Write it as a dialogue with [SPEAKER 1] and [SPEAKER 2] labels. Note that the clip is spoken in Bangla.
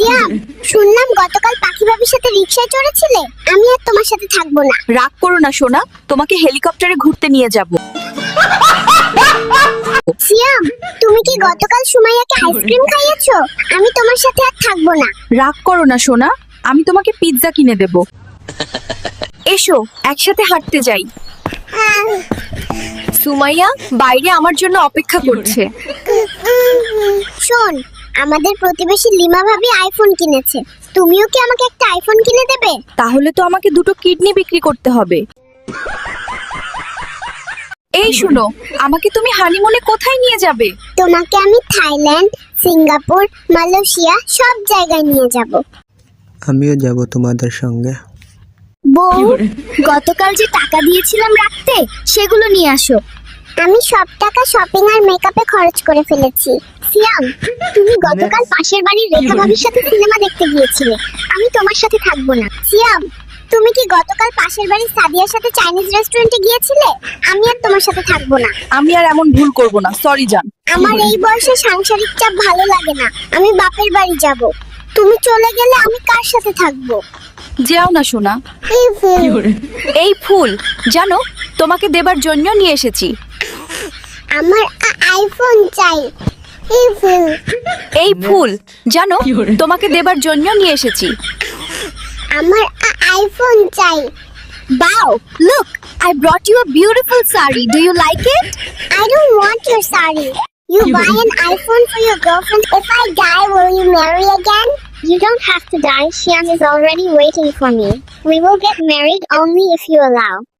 [SPEAKER 1] সিয়াম, শুনলাম গতকাল পাখি ভাবির সাথে রিকশায় চড়েছিলে। আমি আর তোমার সাথে থাকবো না।
[SPEAKER 2] রাগ করো না সোনা, তোমাকে হেলিকপ্টারে ঘুরতে নিয়ে যাব।
[SPEAKER 1] সিয়াম, তুমি কি গতকাল সুমাইয়াকে আইসক্রিম খাইয়েছো? আমি তোমার সাথে আর থাকবো না।
[SPEAKER 2] রাগ করো না সোনা, আমি তোমাকে পিৎজা কিনে দেব। এসো একসাথে হাঁটতে যাই। সুমাইয়া বাইরে আমার জন্য অপেক্ষা করছে।
[SPEAKER 1] শোন, আমাদের প্রতিবেশী লিমা ভাবি আইফোন কিনেছে। তুমিও কি আমাকে একটা আইফোন কিনে দেবে?
[SPEAKER 2] তাহলে তো আমাকে দুটো কিডনি বিক্রি করতে হবে। এই শুনো, আমাকে তুমি হানিমুনে কোথায় নিয়ে যাবে?
[SPEAKER 1] তোমাকে আমি থাইল্যান্ড, সিঙ্গাপুর, মালয়েশিয়া সব জায়গায় নিয়ে যাব।
[SPEAKER 3] আমিও যাব তোমাদের সঙ্গে।
[SPEAKER 1] বউ, গতকাল যে টাকা দিয়েছিলাম রাখতে, সেগুলো নিয়ে আসো। আমি সব টাকা শপিং আর মেকআপে খরচ করে ফেলেছি। সিয়াম, তুমি গতকাল পাশের বাড়ির রেখা ভাবির সাথে সিনেমা দেখতে গিয়েছিলে। আমি তোমার সাথে থাকবো না। সিয়াম, তুমি কি গতকাল পাশের বাড়ির সাদিয়ার সাথে চাইনিজ রেস্টুরেন্টে গিয়েছিলে? আমি আর তোমার সাথে থাকবো না।
[SPEAKER 2] আমি আর এমন ভুল করব না, সরি জান।
[SPEAKER 1] আমার এই বয়সে সাংসারিক চাপ ভালো লাগে না। আমি বাপের বাড়ি যাব। তুমি চলে গেলে আমি কার সাথে থাকবো?
[SPEAKER 2] যেও না সোনা। এই ফুল জানো, তোমাকে দেবার জন্য নিয়ে এসেছি।
[SPEAKER 1] আমার আইফোন চাই।
[SPEAKER 2] এই ফুল জানো, তোমাকে দেবার জন্য নিয়ে এসেছি।
[SPEAKER 1] আমার আইফোন চাই।
[SPEAKER 2] Wow, look, I brought you a beautiful sari. Do you like it?
[SPEAKER 1] I don't want your sari. You buy an iPhone for your girlfriend. If I die, will you marry again? You don't have to die. Xian is already waiting for me. We will get married only if you allow.